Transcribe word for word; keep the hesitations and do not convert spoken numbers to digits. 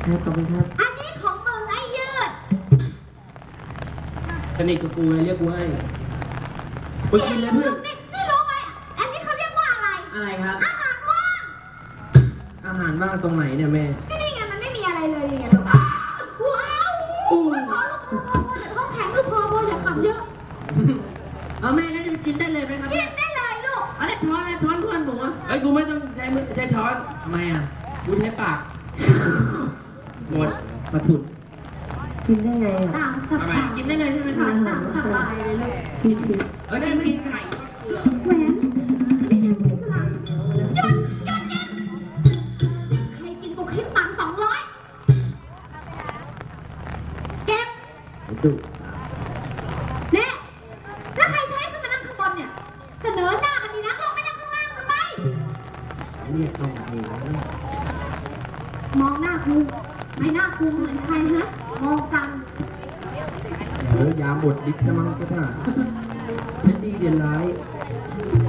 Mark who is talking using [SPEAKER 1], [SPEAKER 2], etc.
[SPEAKER 1] ครับขอบคุณครับ
[SPEAKER 2] อันนี้ของมึงไอ้ยืด
[SPEAKER 1] สนิทกับกูไงเรียกกูให้ไปกินเลยเพื่อน
[SPEAKER 2] นี่นี่รู้ไหมอันนี้เขาเรียกว่าอะไร
[SPEAKER 1] อะไรครับ
[SPEAKER 2] อาหารว่าง
[SPEAKER 1] อาหารว่างตรงไหนเนี่ยแม่
[SPEAKER 2] ก็นี่ไงมันไม่มีอะไรเลยนี่ไงลูกว้าวพอลูกพอพอพอแต่ท้องแข็งลูกพอพออย่าขับเยอะ
[SPEAKER 1] เอาแม่ก็จะกินได้เลยไหมครับ
[SPEAKER 2] กินได้เลยลูก
[SPEAKER 1] อะไรช้อนอะไรช้อนเพื่อนหนูอ่ะไอ้ยกูไม่ต้องใช้มือใช้ช้อนทำไมอ่ะกูใช้ปากหมดมาถุด
[SPEAKER 3] กินได้ไงอ่ะ
[SPEAKER 2] ตามส
[SPEAKER 1] ทำไม
[SPEAKER 2] บาย
[SPEAKER 1] กินได้เลยใช่ไหมค
[SPEAKER 2] ตา
[SPEAKER 1] รับ
[SPEAKER 2] มสบายเลยลูก
[SPEAKER 3] กินกิน
[SPEAKER 1] เอ้ยกินไก่เกลือ
[SPEAKER 2] แหวนนี่ทำเป็นสลับหยุดหยุดกินใครกินกูคิดตังค์สองร้อยเก็บ
[SPEAKER 1] ไอ้ตุ๊ก
[SPEAKER 2] เนี่ยแล้วใครใช้ขึ้นมานั่งข้างบนเนี่ย เสนอหน้ากันดีนักลงไปนั่งข้างล่างทำไม
[SPEAKER 1] เรียกต้องเอง
[SPEAKER 2] มองหน้ากูไม่หน้ากูเหมือนใครฮะ มองกัน
[SPEAKER 1] เออยาหมดดิบจะมั้งก็ได้ฉันดีเด่นร้าย